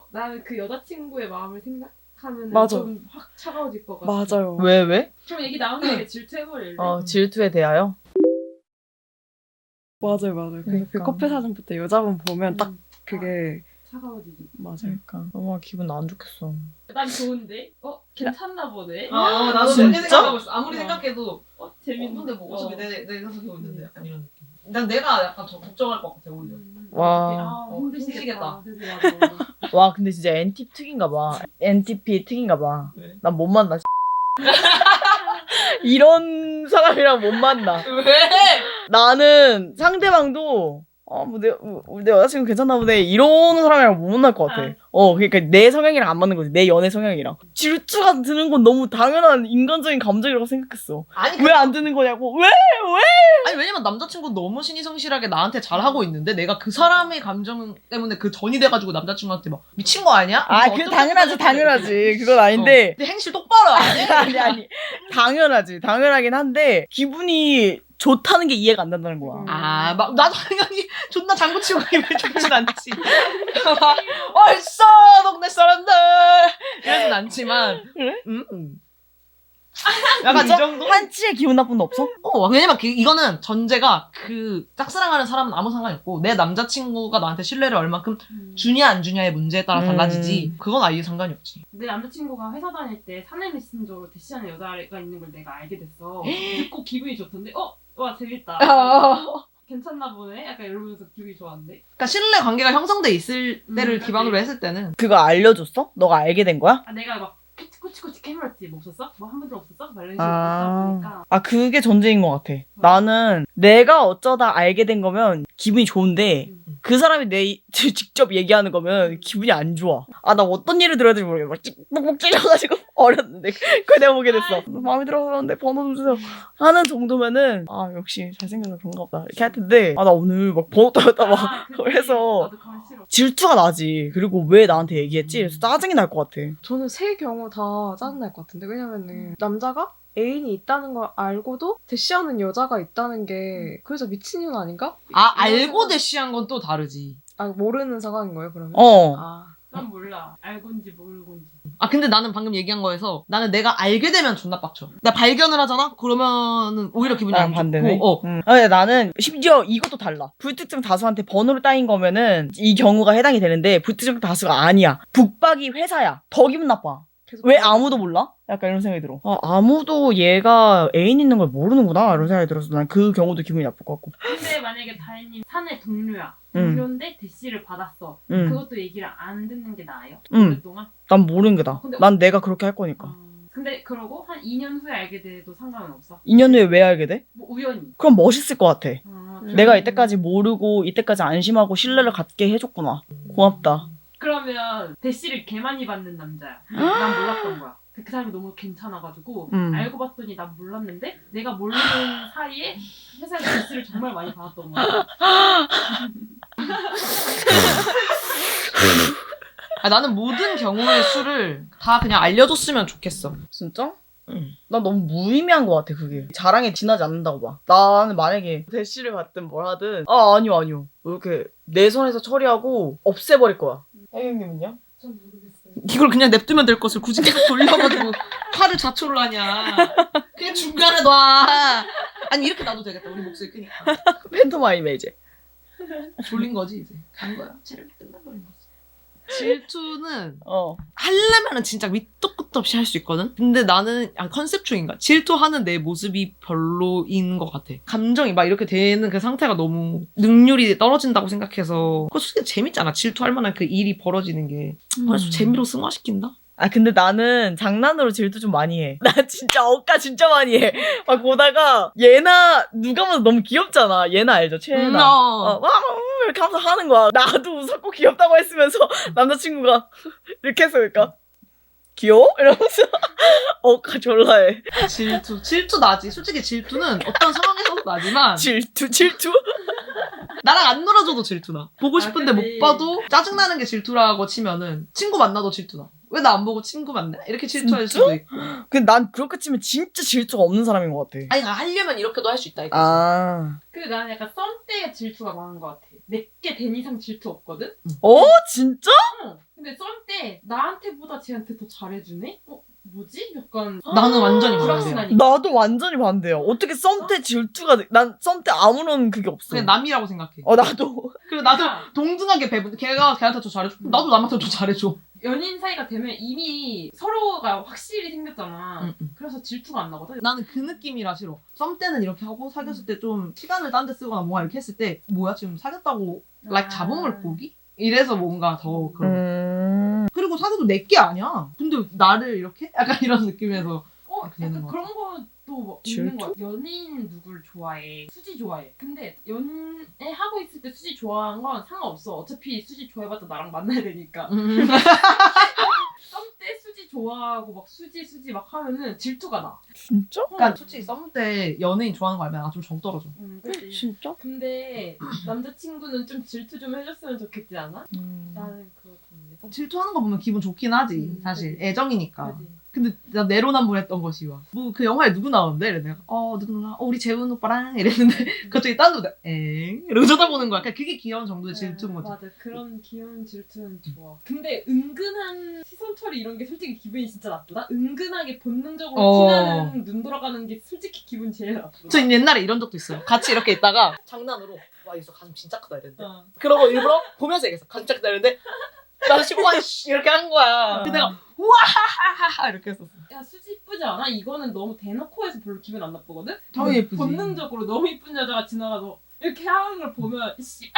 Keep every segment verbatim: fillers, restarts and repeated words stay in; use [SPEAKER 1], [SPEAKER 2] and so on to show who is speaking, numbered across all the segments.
[SPEAKER 1] 나는 그 여자친구의 마음을 생각하면
[SPEAKER 2] 맞아.
[SPEAKER 1] 좀 확 차가워질 것 같아.
[SPEAKER 2] 맞아요.
[SPEAKER 3] 왜 왜?
[SPEAKER 1] 좀 얘기 나오는 게 질투해버릴래.
[SPEAKER 3] 어 질투에 대하여?
[SPEAKER 2] 맞아요, 맞아요. 그, 그
[SPEAKER 3] 그러니까.
[SPEAKER 2] 커플 사진부터 여자분 보면 딱
[SPEAKER 1] 음.
[SPEAKER 2] 그게
[SPEAKER 1] 차가워지지.
[SPEAKER 2] 맞아요.
[SPEAKER 3] 그러니까 너무 기분 안 좋겠어.
[SPEAKER 1] 난 좋은데? 어? 괜찮나 보네?
[SPEAKER 4] 아, 나도
[SPEAKER 3] 진짜?
[SPEAKER 4] 그렇게 생각하고 있어. 아무리
[SPEAKER 1] 어.
[SPEAKER 4] 생각해도
[SPEAKER 1] 어? 재밌는데
[SPEAKER 4] 재밌는데 뭐 어차피
[SPEAKER 1] 어.
[SPEAKER 4] 내, 내가 사귀고 있는데 약간 이런 느낌. 난 내가 약간 더 걱정할 것 같아 오히려.
[SPEAKER 1] 음.
[SPEAKER 3] 와.
[SPEAKER 1] 아,
[SPEAKER 4] 어,
[SPEAKER 1] 힘드시겠다.
[SPEAKER 4] 힘드시겠다.
[SPEAKER 1] 그래서 나도.
[SPEAKER 3] 와 근데 진짜 엔티 특인가 봐. 엔티피 특인가 봐.
[SPEAKER 4] 왜?
[SPEAKER 3] 난 못 만나. 이런 사람이랑 못 만나.
[SPEAKER 4] 왜?
[SPEAKER 3] 나는 상대방도 어, 뭐, 내, 뭐, 내 여자친구 괜찮나 보네. 이러는 사람이랑 못 만날 것 같아.
[SPEAKER 1] 아.
[SPEAKER 3] 어, 그러니까 내 성향이랑 안 맞는 거지. 내 연애 성향이랑. 질투가 드는 건 너무 당연한 인간적인 감정이라고 생각했어.
[SPEAKER 4] 아니
[SPEAKER 3] 왜 안 드는 거냐고. 왜?
[SPEAKER 4] 아니 왜냐면 남자친구 너무 신이 성실하게 나한테 잘하고 있는데 내가 그 사람의 감정 때문에 그 전이 돼가지고 남자친구한테 막 미친 거 아니야?
[SPEAKER 3] 아,
[SPEAKER 4] 뭐
[SPEAKER 3] 그
[SPEAKER 4] 어쩌고
[SPEAKER 3] 당연하지,
[SPEAKER 4] 저쩌고
[SPEAKER 3] 당연하지. 그건 아닌데.
[SPEAKER 4] 어. 근데 행실 똑바로 안 해?
[SPEAKER 3] 아니, 아니. 당연하지. 당연하긴 한데, 기분이 좋다는 게 이해가 안 된다는 거야.
[SPEAKER 4] 아, 막 나도 당연히 존나 장구치고 기분 좋진 않지. 막 얼싸 동네 사람들 이러진 않지만,
[SPEAKER 3] 그래?
[SPEAKER 4] 음, 음. 약간 이
[SPEAKER 3] 진짜?
[SPEAKER 4] 정도?
[SPEAKER 3] 한치의 기분 나쁜 거 없어?
[SPEAKER 4] 어, 왜냐면 그, 이거는 전제가 그 짝사랑하는 사람은 아무 상관이 없고 내 남자친구가 나한테 신뢰를 얼만큼
[SPEAKER 1] 음.
[SPEAKER 4] 주냐 안 주냐의 문제에 따라
[SPEAKER 3] 음.
[SPEAKER 4] 달라지지. 그건 아예 상관이 없지.
[SPEAKER 1] 내 남자친구가 회사 다닐 때 사내 메신저로 대시하는 여자가 있는 걸 내가 알게 됐어. 듣고 기분이 좋던데, 어? 와, 재밌다. 괜찮나 보네? 약간 이러면서 기분이 좋았는데.
[SPEAKER 4] 그러니까 신뢰 관계가 형성돼 있을
[SPEAKER 1] 음,
[SPEAKER 4] 때를
[SPEAKER 1] 그치.
[SPEAKER 4] 기반으로 했을 때는
[SPEAKER 3] 그거 알려줬어? 너가 알게 된 거야?
[SPEAKER 1] 아, 내가 막 코치코치 캐물었지. 뭐 없었어? 뭐 한 번도 없었어? 막 이런 식으로
[SPEAKER 3] 아,
[SPEAKER 1] 듣다 보니까.
[SPEAKER 3] 아, 그게 전제인 것 같아. 나는 내가 어쩌다 알게 된 거면 기분이 좋은데,
[SPEAKER 1] 음.
[SPEAKER 3] 그 사람이 내 이- 직접 얘기하는 거면 기분이 안 좋아. 아, 나 어떤 일을 들어야 될지 모르겠어. 막 찌- 뻑뻑 찔려가지고 어렸는데. 그걸 내가 보게 됐어. 마음에 들어서 그러는데 번호 좀 주세요. 하는 정도면은, 아, 역시 잘생겨서 그런가 보다. 이렇게 할 텐데, 아, 나 오늘 막 번호 따였다 막.
[SPEAKER 1] 아, 그치.
[SPEAKER 3] 그래서
[SPEAKER 1] 나도 가면 싫어.
[SPEAKER 3] 질투가 나지. 그리고 왜 나한테 얘기했지? 그래서 짜증이 날 것 같아.
[SPEAKER 2] 저는 세 경우 다 짜증날 것 같은데 왜냐면은 남자가 애인이 있다는 걸 알고도 대시하는 여자가 있다는 게 그래서 미친년 아닌가?
[SPEAKER 4] 아
[SPEAKER 2] 이런
[SPEAKER 4] 알고
[SPEAKER 2] 생각-
[SPEAKER 4] 대시한 건 또 다르지.
[SPEAKER 2] 아 모르는 상황인 거예요 그러면?
[SPEAKER 3] 어.
[SPEAKER 2] 아
[SPEAKER 1] 난 몰라. 알건지 모르건지.
[SPEAKER 4] 아 근데 나는 방금 얘기한 거에서 나는 내가 알게 되면 존나 빡쳐. 나 발견을 하잖아? 그러면은 오히려 기분이
[SPEAKER 3] 나랑
[SPEAKER 4] 안
[SPEAKER 3] 반대네.
[SPEAKER 4] 좋고. 어.
[SPEAKER 3] 응. 아니, 나는 심지어 이것도 달라. 불특정 다수한테 번호를 따인 거면은 이 경우가 해당이 되는데 불특정 다수가 아니야. 북박이 회사야. 더 기분 나빠.
[SPEAKER 2] 계속
[SPEAKER 3] 왜
[SPEAKER 2] 그러고
[SPEAKER 3] 아무도 몰라? 약간 이런 생각이 들어. 아, 아무도 얘가 애인 있는 걸 모르는구나. 이런 생각이 들어서 난 그 경우도 기분이 나쁠 것 같고.
[SPEAKER 1] 근데 만약에 다혜님 사내 동료야.
[SPEAKER 3] 응.
[SPEAKER 1] 동료인데 대시를 받았어.
[SPEAKER 3] 응.
[SPEAKER 1] 그것도 얘기를 안 듣는 게 나아요?
[SPEAKER 3] 응.
[SPEAKER 1] 오랫동안?
[SPEAKER 3] 난 모르는 게 나아.
[SPEAKER 1] 근데-
[SPEAKER 3] 난 내가 그렇게 할 거니까.
[SPEAKER 1] 어. 근데 그러고 한 이 년 후에 알게 돼도 상관은 없어?
[SPEAKER 3] 이 년 후에 왜 알게 돼?
[SPEAKER 1] 뭐 우연히.
[SPEAKER 3] 그럼 멋있을 것 같아.
[SPEAKER 1] 어,
[SPEAKER 2] 음.
[SPEAKER 3] 내가 이때까지 모르고 이때까지 안심하고 신뢰를 갖게 해줬구나. 고맙다.
[SPEAKER 1] 그러면 대시를 개 많이 받는 남자야. 근데 난 몰랐던 거야. 그, 그 사람이 너무 괜찮아가지고
[SPEAKER 3] 음.
[SPEAKER 1] 알고 봤더니 난 몰랐는데 내가 모르는 사이에 회사에서 대시를 정말 많이 받았던 거야.
[SPEAKER 4] 아, 나는 모든 경우의 수를 다 그냥 알려줬으면 좋겠어.
[SPEAKER 3] 진짜?
[SPEAKER 4] 응.
[SPEAKER 3] 나 너무 무의미한 것 같아, 그게. 자랑에 지나지 않는다고 봐. 나는 만약에 대시를 받든 뭘 하든, 아, 아니요, 아니요. 이렇게 내 손에서 처리하고 없애버릴 거야. 혜경님은요?
[SPEAKER 1] 전 모르겠어요.
[SPEAKER 4] 이걸 그냥 냅두면 될 것을 굳이 계속 돌려가지고 화를 자초를 하냐. 그냥 중간에 놔. 아니 이렇게 놔도 되겠다. 우리 목소리 크니까.
[SPEAKER 3] 팬토마임에 이제.
[SPEAKER 4] 졸린 거지 이제. 간 거야. 체력이 끝나버린 거지. 질투는
[SPEAKER 3] 어.
[SPEAKER 4] 하려면은 진짜 밑도 끝도 없이 할 수 있거든? 근데 나는 아, 컨셉충인가? 질투하는 내 모습이 별로인 것 같아. 감정이 막 이렇게 되는 그 상태가 너무 능률이 떨어진다고 생각해서 그거 솔직히 재밌잖아. 질투할 만한 그 일이 벌어지는 게. 그래서 재미로 승화시킨다?
[SPEAKER 3] 아, 근데 나는 장난으로 질투 좀 많이 해. 나 진짜 억까 진짜 많이 해. 막 보다가 예나 누가 봐도 너무 귀엽잖아. 예나 알죠? 최예나.
[SPEAKER 4] 음,
[SPEAKER 3] 어,
[SPEAKER 4] 어.
[SPEAKER 3] 와, 음, 이렇게 하면서 하는 거야. 나도 웃었고 귀엽다고 했으면서 남자친구가 이렇게 해서 그러니까 귀여워? 이러면서 억까 졸라 해.
[SPEAKER 4] 질투. 질투 나지. 솔직히 질투는 어떤 상황에서도 나지만
[SPEAKER 3] 질투, 질투?
[SPEAKER 4] 나랑 안 놀아줘도 질투나. 보고 싶은데
[SPEAKER 1] 아,
[SPEAKER 4] 못
[SPEAKER 1] 그치.
[SPEAKER 4] 봐도 짜증나는 게 질투라고 치면은 친구 만나도 질투나. 왜 나 안 보고 친구 만나? 이렇게 질투할 수도 있고.
[SPEAKER 3] 근데 난 그렇게 치면 진짜 질투가 없는 사람인 것 같아.
[SPEAKER 4] 아니 하려면 이렇게도 할 수 있다 이거지.
[SPEAKER 3] 아.
[SPEAKER 1] 근데 나는 약간 썸 때 질투가 많은 것 같아. 내게 된 이상 질투 없거든?
[SPEAKER 3] 어? 진짜?
[SPEAKER 1] 응. 근데 썸 근데 나한테보다 쟤한테 더 잘해주네? 어 뭐지? 약간
[SPEAKER 4] 나는 완전히 반대야.
[SPEAKER 1] 불확실하니까.
[SPEAKER 3] 나도 완전히 반대야. 어떻게 썸 때 질투가 돼? 난 썸 때 아무런 그게 없어.
[SPEAKER 4] 그냥 남이라고 생각해.
[SPEAKER 3] 어 나도.
[SPEAKER 4] 그리고 나도
[SPEAKER 1] 그러니까
[SPEAKER 4] 동등하게 배분. 걔가 걔한테 더 잘해줘. 나도 남한테 더 잘해줘.
[SPEAKER 1] 연인 사이가 되면 이미 서로가 확실히 생겼잖아.
[SPEAKER 4] 응, 응.
[SPEAKER 1] 그래서 질투가 안 나거든.
[SPEAKER 4] 나는 그 느낌이라 싫어. 썸 때는 이렇게 하고 사귀었을 때 좀 시간을 딴 데 쓰거나 뭔가 이렇게 했을 때 뭐야 지금 사귀었다고 like
[SPEAKER 1] 아.
[SPEAKER 4] 잡음을 보기? 이래서 뭔가 더 그런.
[SPEAKER 3] 음.
[SPEAKER 4] 그리고 사귀어도 내게 아니야. 근데 나를 이렇게? 약간 이런 느낌에서.
[SPEAKER 1] 어,
[SPEAKER 4] 아, 그냥
[SPEAKER 1] 약간
[SPEAKER 4] 것
[SPEAKER 1] 그런 것도 뭐
[SPEAKER 3] 질투?
[SPEAKER 1] 있는 거야. 연인 누굴 좋아해? 수지 좋아해. 근데 연애 하고 있을 때 수지 좋아하는 건 상관없어. 어차피 수지 좋아해봤자 나랑 만나야 되니까.
[SPEAKER 4] 음.
[SPEAKER 1] 썸 때 수지 좋아하고 막 수지 수지 막 하면은 질투가 나.
[SPEAKER 3] 진짜?
[SPEAKER 4] 그러니까 솔직히 썸 때 연예인 좋아하는 거 알면 나 좀 정 떨어져.
[SPEAKER 1] 응, 그치.
[SPEAKER 3] 진짜?
[SPEAKER 1] 근데 남자친구는 좀 질투 좀 해줬으면 좋겠지 않아?
[SPEAKER 3] 음.
[SPEAKER 1] 나는 그렇던데.
[SPEAKER 4] 질투하는 거 보면 기분 좋긴 하지.
[SPEAKER 1] 음,
[SPEAKER 4] 사실
[SPEAKER 1] 그치.
[SPEAKER 4] 애정이니까.
[SPEAKER 1] 그치.
[SPEAKER 4] 근데 나 내로남불했던 것이 와. 뭐 그 영화에 누구 나오는데? 이래 내가 어 누구 누나? 어 우리 재훈 오빠랑 이랬는데 갑자기 딴 누가 엥? 이러고 쳐다보는 거야. 그냥 그게 귀여운 정도의 질투인 거지.
[SPEAKER 1] 맞아. 그런 귀여운 질투는 좋아. 근데 은근한 시선 처리 이런 게 솔직히 기분이 진짜 나쁘다? 은근하게 본능적으로
[SPEAKER 4] 어.
[SPEAKER 1] 티나는 눈 돌아가는 게 솔직히 기분 제일 나쁘다.
[SPEAKER 4] 저 옛날에 이런 적도 있어요. 같이 이렇게 있다가 장난으로 와 이거 가슴 진짜 크다 이랬는데
[SPEAKER 1] 어.
[SPEAKER 4] 그러고 일부러 보면서 얘기했어. 가슴 진짜 크다 이랬는데 나도 지금 와씨 이렇게 한 거야. 근데 내가 우와하하하 이렇게 했었어.
[SPEAKER 1] 야 수지 이쁘지 않아? 이거는 너무 대놓고 해서 별로 기분 안 나쁘거든?
[SPEAKER 4] 당연히 예쁘지.
[SPEAKER 1] 본능적으로 너무 이쁜 여자가 지나가서 이렇게 하는 걸 보면 씨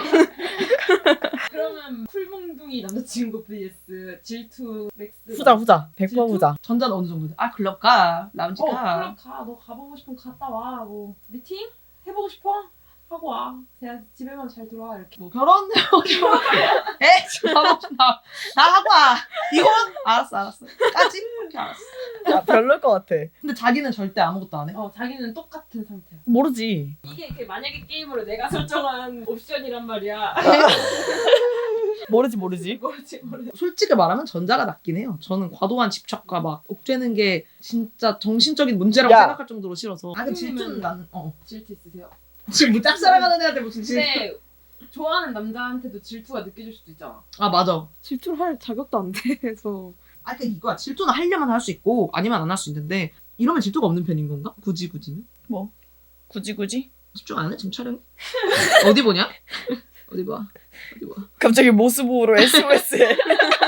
[SPEAKER 1] 그러면 쿨몽둥이 남자친구 vs 질투 맥스
[SPEAKER 3] 후자 후자. 백 퍼센트
[SPEAKER 1] 질투?
[SPEAKER 3] 후자.
[SPEAKER 4] 전자는 어느 정도? 아 클럽 가, 라운지
[SPEAKER 1] 어
[SPEAKER 4] 가.
[SPEAKER 1] 그럼 가. 너 가보고 싶으면 갔다 와. 뭐 미팅? 해보고 싶어? 하고 와. 그냥 집에만 잘 들어와 이렇게.
[SPEAKER 4] 뭐 결혼? 결혼? 에? 지금 하고 싶나? 나 하고 와. 이혼? 알았어 알았어. 까지? 오케이 알았어.
[SPEAKER 3] 야, 별로일 것 같아.
[SPEAKER 4] 근데 자기는 절대 아무것도 안 해?
[SPEAKER 1] 어 자기는 똑같은 상태야.
[SPEAKER 3] 모르지.
[SPEAKER 1] 이게 그 만약에 게임으로 내가 설정한 옵션이란 말이야.
[SPEAKER 3] 모르지 모르지.
[SPEAKER 1] 뭐지 모르겠어.
[SPEAKER 4] 솔직히 말하면 전자가 낫긴 해요. 저는 과도한 집착과 막 옥죄는 게 진짜 정신적인 문제라고
[SPEAKER 3] 야.
[SPEAKER 4] 생각할 정도로 싫어서. 아, 근데 질투는 난, 어.
[SPEAKER 1] 질투 있으세요?
[SPEAKER 4] 지금 뭐 짝사랑하는 애한테 무슨 질투.
[SPEAKER 1] 근데 좋아하는 남자한테도 질투가 느껴질 수도 있잖아.
[SPEAKER 4] 아, 맞아.
[SPEAKER 2] 질투를 할 자격도 안 돼서.
[SPEAKER 4] 아, 그러니까 이거야. 질투는 하려면 할 수 있고, 아니면 안 할 수 있는데, 이러면 질투가 없는 편인 건가? 굳이, 굳이.
[SPEAKER 3] 굳이 굳이?
[SPEAKER 4] 집중 안 해? 지금 촬영해? 어디 보냐? 어디 봐. 어디 봐.
[SPEAKER 3] 갑자기 모습으로 에스오에스에.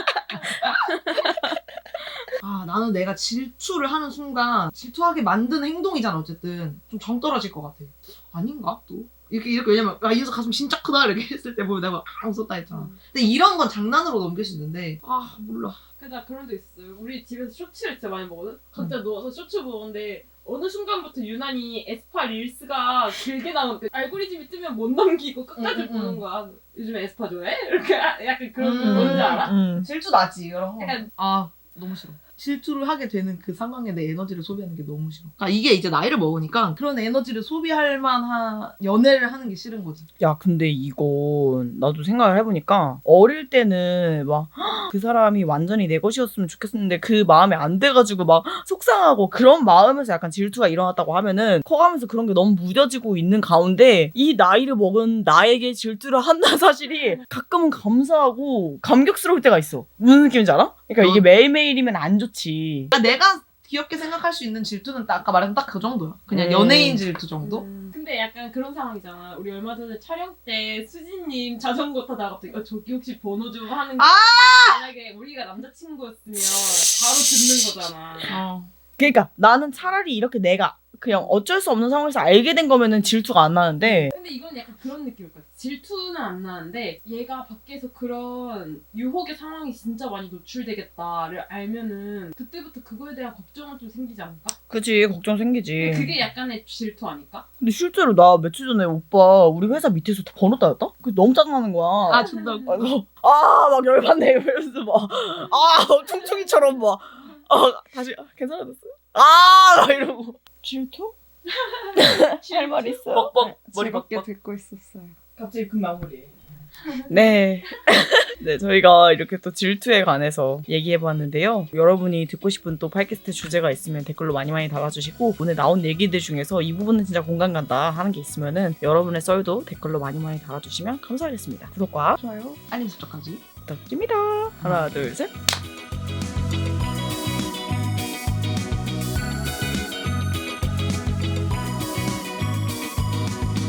[SPEAKER 4] 아, 나는 내가 질투를 하는 순간 질투하게 만드는 행동이잖아, 어쨌든. 좀 정 떨어질 것 같아. 아닌가? 또? 이렇게, 이렇게, 왜냐면, 아, 이 녀석 가슴 진짜 크다, 이렇게 했을 때 보면 내가 아, 웃었다 했잖아.
[SPEAKER 1] 음.
[SPEAKER 4] 근데 이런 건 장난으로 넘길 수 있는데, 아, 몰라.
[SPEAKER 1] 근데 나 그런 적 있어요. 우리 집에서 쇼츠를 진짜 많이 보거든? 각자 누워서 쇼츠 보는데 어느 순간부터 유난히 에스파 릴스가 길게 나오는데 알고리즘이 뜨면 못 넘기고 끝까지
[SPEAKER 4] 음, 음,
[SPEAKER 1] 보는
[SPEAKER 4] 음.
[SPEAKER 1] 거야. 요즘에 에스파 좋아해? 이렇게 약간 그런 거
[SPEAKER 4] 음.
[SPEAKER 1] 뭔지 알아?
[SPEAKER 3] 음.
[SPEAKER 4] 질투 나지, 이런 거.
[SPEAKER 1] 약간
[SPEAKER 4] 아, 너무 싫어. 질투를 하게 되는 그 상황에 내 에너지를 소비하는 게 너무 싫어. 아, 이게 이제 나이를 먹으니까 그런 에너지를 소비할 만한 연애를 하는 게 싫은 거지.
[SPEAKER 3] 야 근데 이건 나도 생각을 해보니까 어릴 때는 막 그 사람이 완전히 내 것이었으면 좋겠었는데 그 마음에 안 돼가지고 막 속상하고 그런 마음에서 약간 질투가 일어났다고 하면은 커가면서 그런 게 너무 무뎌지고 있는 가운데 이 나이를 먹은 나에게 질투를 한다는 사실이 가끔은 감사하고 감격스러울 때가 있어. 무슨 느낌인지 알아? 그러니까 이게
[SPEAKER 4] 어.
[SPEAKER 3] 매일매일이면 안 좋지.
[SPEAKER 4] 아, 내가 귀엽게 생각할 수 있는 질투는 딱 아까 말한 딱 그 정도야. 그냥
[SPEAKER 3] 음.
[SPEAKER 4] 연예인 질투 정도?
[SPEAKER 1] 음, 근데 약간 그런 상황이잖아. 우리 얼마 전에 촬영 때 수진님 자전거 타다가 갑자기 어, 저기 혹시 번호 좀 하는 거
[SPEAKER 4] 아!
[SPEAKER 1] 만약에 우리가 남자친구였으면 바로 듣는 거잖아.
[SPEAKER 4] 어.
[SPEAKER 3] 그러니까 나는 차라리 이렇게 내가 그냥 어쩔 수 없는 상황에서 알게 된 거면은 질투가 안 나는데
[SPEAKER 1] 근데 이건 약간 그런 느낌일 것 같아. 질투는 안 나는데 얘가 밖에서 그런 유혹의 상황이 진짜 많이 노출되겠다를 알면은 그때부터 그거에 대한 걱정은 좀 생기지 않을까?
[SPEAKER 3] 그치 걱정 생기지.
[SPEAKER 1] 그게 약간의 질투 아닐까?
[SPEAKER 3] 근데 실제로 나 며칠 전에 오빠 우리 회사 밑에서 다 번호 따였다? 그게 너무 짜증나는 거야.
[SPEAKER 4] 아, 존나 웃겨.
[SPEAKER 3] 아이고, 아, 막 열받네. 이러면서 막, 아, 퉁퉁이처럼 막, 아, 다시, 아, 괜찮아졌어? 아, 막 이러고. 질투? 할 말 있어요?
[SPEAKER 4] 뻑뻑. 머리
[SPEAKER 2] 즐겁게
[SPEAKER 4] 뻑뻑.
[SPEAKER 2] 듣고 있었어요.
[SPEAKER 1] 갑자기 그 마무리.
[SPEAKER 3] 네. 네, 저희가 이렇게 또 질투에 관해서 얘기해봤는데요. 여러분이 듣고 싶은 또 팟캐스트 주제가 있으면 댓글로 많이 많이 달아주시고, 오늘 나온 얘기들 중에서 이 부분은 진짜 공감 간다 하는 게 있으면은 여러분의 썰도 댓글로 많이 많이 달아주시면 감사하겠습니다. 구독과
[SPEAKER 2] 좋아요.
[SPEAKER 4] 알림 설정까지.
[SPEAKER 3] 부탁드립니다. 하나, 둘, 셋.